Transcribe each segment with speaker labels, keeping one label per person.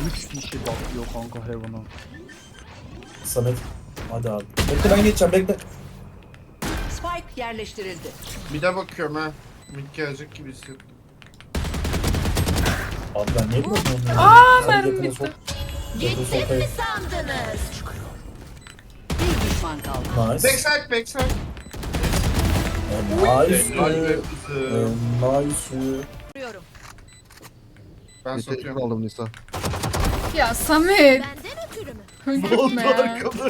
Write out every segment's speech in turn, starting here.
Speaker 1: 3 kişi bakıyor kanka Heaven'a.
Speaker 2: Samet. Hadi abi. Bekle ben geçeceğim bekle.
Speaker 3: Spike yerleştirildi.
Speaker 4: Bir de bakıyorum ha. Mid gelecek gibi hissettim.
Speaker 2: Abi ben niye bilmiyorum onu?
Speaker 5: mermi bitti.
Speaker 2: Gittim mi
Speaker 3: Sandınız. Bir düşman kaldı.
Speaker 2: Nice.
Speaker 4: Backside backside.
Speaker 2: Nice.
Speaker 4: Helal be kızım.
Speaker 2: Nice.
Speaker 3: Vuruyorum.
Speaker 4: Ben
Speaker 6: Bir
Speaker 4: satıyorum.
Speaker 6: tek aldım Nisa.
Speaker 5: Ya Samet.
Speaker 3: Benden ötürü mü?
Speaker 5: Öldürtme ya.
Speaker 4: Arkada.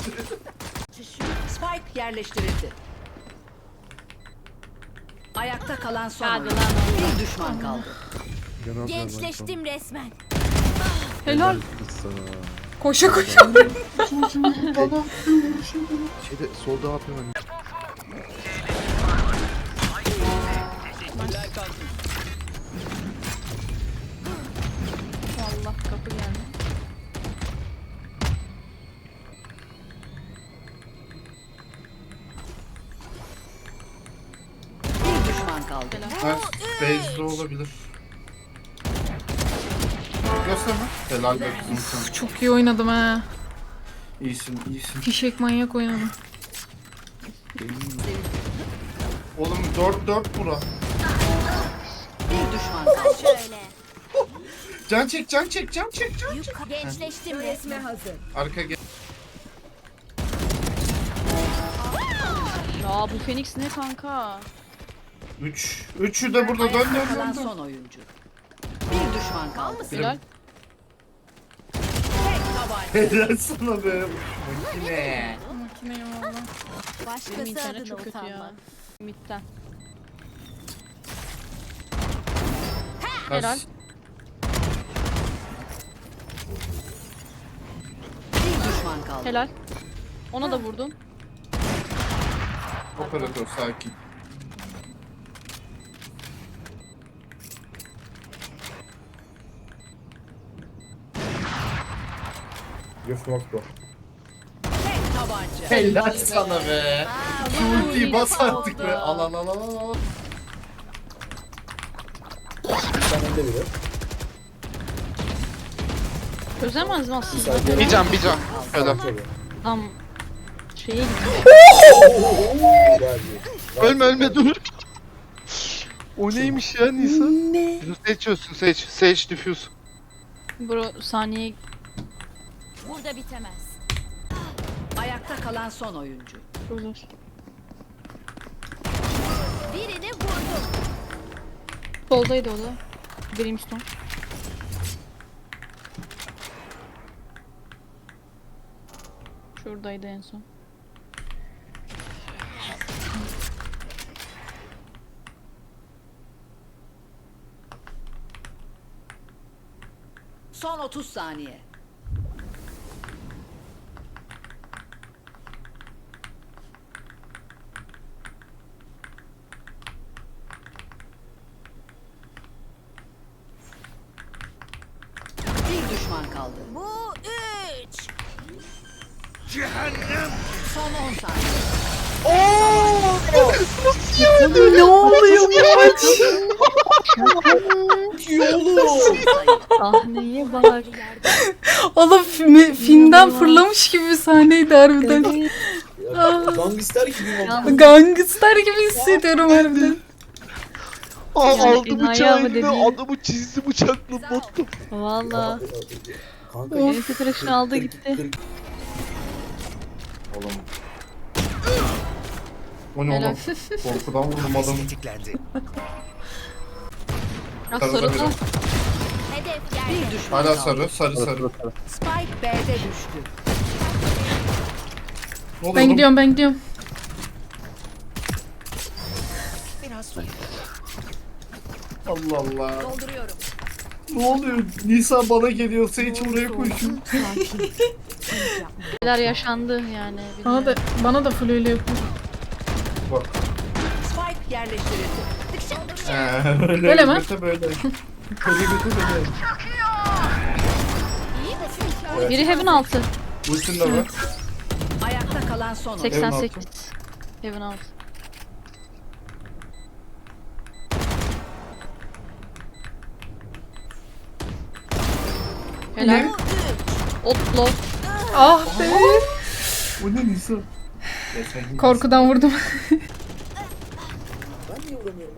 Speaker 3: Spike yerleştirildi. Ayakta kalan son
Speaker 7: Hadi
Speaker 3: oyuncu.
Speaker 7: lan oğlum.
Speaker 3: Bir düşman kaldı.
Speaker 7: Gençleştim resmen.
Speaker 5: Helal.
Speaker 6: Nisa.
Speaker 5: Koşa koşa.
Speaker 6: Şeyde solda yapıyorum ben.
Speaker 7: Allah kapı geldi.
Speaker 3: Bir düşman kaldı.
Speaker 4: Evet. Base'de olabilir. Gösterme. Helal be kızım sen.
Speaker 5: Çok iyi oynadım ha.
Speaker 4: İyisin iyisin.
Speaker 5: Fişek manyak oynadım.
Speaker 4: Oğlum 4-4 bura.
Speaker 3: Bir düşman kaldı.
Speaker 7: Şöyle.
Speaker 4: Can çek can çek can çek can.
Speaker 7: Gençleştim resmen.
Speaker 4: Arka gel.
Speaker 7: Ya bu Phoenix ne kanka?
Speaker 4: 3. Üçü de burada dön
Speaker 3: Ayakta
Speaker 4: dön
Speaker 3: kalan
Speaker 4: dön.
Speaker 3: son oyuncu. Bir düşman kaldı.
Speaker 7: Helal.
Speaker 4: Helal sana be. Makine.
Speaker 5: Makineyim valla.
Speaker 7: Benim
Speaker 3: Başkası
Speaker 7: internet
Speaker 3: adına
Speaker 7: çok kötü ya.
Speaker 3: utanma.
Speaker 7: Mid'den.
Speaker 4: Helal.
Speaker 7: Helal.
Speaker 3: Bir düşman kaldı.
Speaker 7: Helal. Ona da vurdum.
Speaker 4: Operatör sakin.
Speaker 2: You smoke bro.
Speaker 3: Tek tabanca.
Speaker 4: Helal sana be. Şu ultiyi bas artık be. Al al al al al.
Speaker 2: Sen önde biri.
Speaker 7: Çözemez mi aslında?
Speaker 2: Sen
Speaker 4: Bir can bir can. Helal.
Speaker 7: Tam şeye gitti.
Speaker 6: Ölme ölme dur. O neymiş ya Nisa? Ne? Seçiyorsun seç. Seç diffuse.
Speaker 7: Bro saniye
Speaker 3: Burada bitemez. Ayakta kalan son oyuncu.
Speaker 7: çok zor.
Speaker 3: Birini vurdum.
Speaker 7: Soldaydı o da. Brimstone. Şuradaydı en son.
Speaker 3: Son 30 saniye. Bir düşman kaldı.
Speaker 7: Bu 3.
Speaker 3: Son 10 saniye.
Speaker 5: Ne oluyor maç?
Speaker 7: Sahneye bak.
Speaker 5: Oğlum filmden fırlamış gibi bir sahneydi harbiden.
Speaker 2: Gangster gibi
Speaker 7: Ya.
Speaker 2: oldu.
Speaker 5: Gangster gibi hissediyorum harbiden.
Speaker 7: Yani
Speaker 6: Aldı
Speaker 7: enayi
Speaker 6: bıçağı
Speaker 7: ama
Speaker 6: eline
Speaker 7: dediğin-
Speaker 6: adamı çizdi bıçakla botta.
Speaker 7: Valla.
Speaker 2: Kanka
Speaker 7: Elisi tıraşını aldı gitti.
Speaker 4: Oğlum. O ne
Speaker 7: Helal.
Speaker 4: oğlum? Korkudan vurdum adamı.
Speaker 7: Ya
Speaker 4: Sarıda
Speaker 7: sarı
Speaker 4: biri.
Speaker 7: da.
Speaker 3: Bir düşman
Speaker 4: Hala
Speaker 3: kaldı.
Speaker 4: sarı sarı.
Speaker 3: Spike B'de düştü.
Speaker 4: Ne oluyor
Speaker 5: Ben
Speaker 4: oğlum?
Speaker 5: gidiyorum ben gidiyorum.
Speaker 4: Allah Allah.
Speaker 3: Dolduruyorum.
Speaker 4: Ne oluyor? Nisa bana geliyorsa hiç buraya koşuyor.
Speaker 7: Neler yaşandı yani.
Speaker 5: Bana da full öyle yapıyor.
Speaker 4: Bak.
Speaker 3: Spike yerleştirildi.
Speaker 4: Öyle
Speaker 5: Böyle mi?
Speaker 4: göte böyle. Böyle göte böyle. Evet.
Speaker 7: Biri Heaven altı.
Speaker 4: Ultin de var.
Speaker 3: Ayakta kalan son oyuncu.
Speaker 7: 88. Heaven altı. Helal. Otlo.
Speaker 5: Ah be.
Speaker 2: O ne Nisa?
Speaker 5: Korkudan vurdum.
Speaker 2: Ben niye vuramıyorum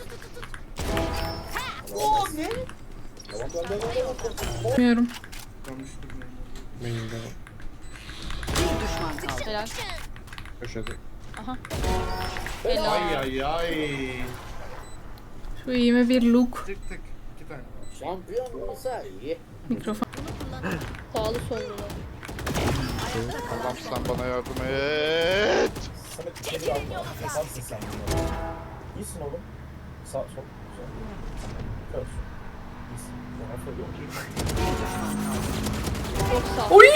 Speaker 2: ama? Oo ne? Tamam ben.
Speaker 5: Bilmiyorum.
Speaker 4: Main'de.
Speaker 3: Bir düşman kaldı.
Speaker 7: Helal.
Speaker 4: Köşede.
Speaker 7: Aha.
Speaker 4: Ay
Speaker 7: Helal.
Speaker 4: ay ay.
Speaker 5: Şu iyime bir look.
Speaker 4: Tık tık. 2 tane.
Speaker 2: Şampiyon olsa iyi.
Speaker 5: Mikrofon.
Speaker 7: Sağlı sollu.
Speaker 6: Allah'ım sen bana yardım et.
Speaker 2: Samet içeri al. Yaparsın sen bunu. İyisin oğlum. Sağ sol. Sol. Kör. İyisin. Bana söylüyorum.
Speaker 7: Çok sağ.
Speaker 5: Oy!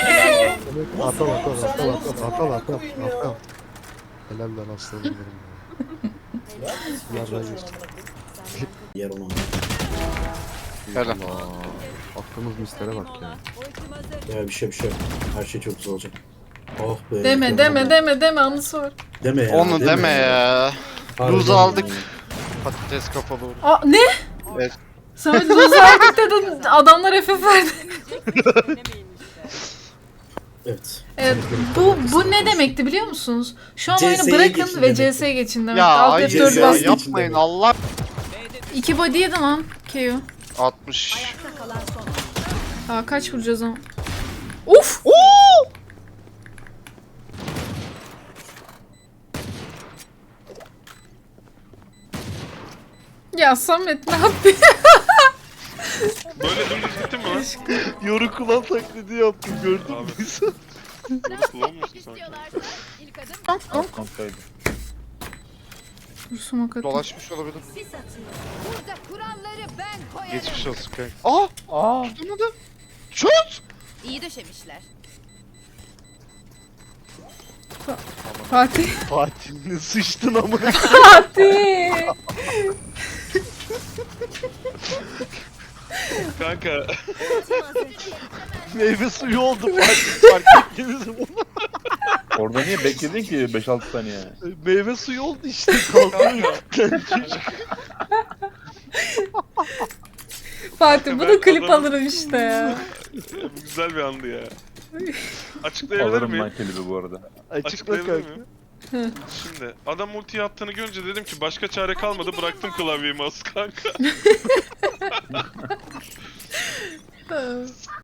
Speaker 2: Atal.
Speaker 8: Helal lan aslanım benim. Yerden geçti.
Speaker 2: Yer onu.
Speaker 6: Helal.
Speaker 8: Allah. Attığımız mislere bak ya.
Speaker 2: Ya bir şey. Her şey çok güzel olacak. Oh be.
Speaker 5: Deme anısı var.
Speaker 2: Deme ya.
Speaker 6: Onu deme ya.
Speaker 2: Harbiden
Speaker 6: Luz
Speaker 2: ya.
Speaker 6: aldık. Patates kafalı.
Speaker 5: Aa ne?
Speaker 6: Evet.
Speaker 5: Samet loser aldık dedin. Adamlar FF verdi.
Speaker 2: Evet.
Speaker 5: Evet, bu ne demekti biliyor musunuz? Şu an oyunu
Speaker 2: CS'ye
Speaker 5: bırakın
Speaker 2: geçin
Speaker 5: ve
Speaker 2: demekti.
Speaker 5: CS'ye geçin demek.
Speaker 6: Ya
Speaker 5: Alt
Speaker 6: hayır
Speaker 2: F4
Speaker 5: F4
Speaker 6: ya
Speaker 2: bastım.
Speaker 5: bastım.
Speaker 6: yapmayın Allah.
Speaker 5: 2 body yedi lan KO.
Speaker 6: 60.
Speaker 3: Ayakta kalan son.
Speaker 5: Aa kaç vuracağız ama? Uf! Ya Samet ne yaptın?
Speaker 9: Böyle dümdüz gittin mi lan?
Speaker 6: Yoru kulağım taklidi yaptım gördün mü?
Speaker 9: Kulağın mısın sen?
Speaker 1: Kontroldü.
Speaker 5: Dur sumak atayım.
Speaker 6: Dolaşmış olabilir.
Speaker 3: Burada kuralları ben koyarım.
Speaker 6: Geçmiş olsun kanka. Aa!
Speaker 1: Aa.
Speaker 6: Tutamadı. Şut!
Speaker 3: İyi döşemişler.
Speaker 5: Fatih.
Speaker 6: Fatih ne sıçtın ama.
Speaker 5: Fatih.
Speaker 9: Kanka
Speaker 6: Meyve suyu oldu Fatih. Fark ettiniz mi bunu?
Speaker 1: Orada niye bekledin ki 5-6 saniye?
Speaker 6: Meyve suyu oldu işte. Kalkıyor. Çocuk.
Speaker 5: Fatih bu da
Speaker 9: Ben
Speaker 5: klip
Speaker 9: adamı-
Speaker 5: alırım işte ya.
Speaker 9: bu güzel bir andı ya. Açıklayabilir
Speaker 1: Alırım
Speaker 9: miyim?
Speaker 1: ben klibi bu arada.
Speaker 6: Açıkla
Speaker 9: Açıklayabilir
Speaker 6: kanka.
Speaker 9: miyim? Şimdi adam ultiyi attığını görünce dedim ki başka çare kalmadı, bıraktım klavyeyi mouse kanka.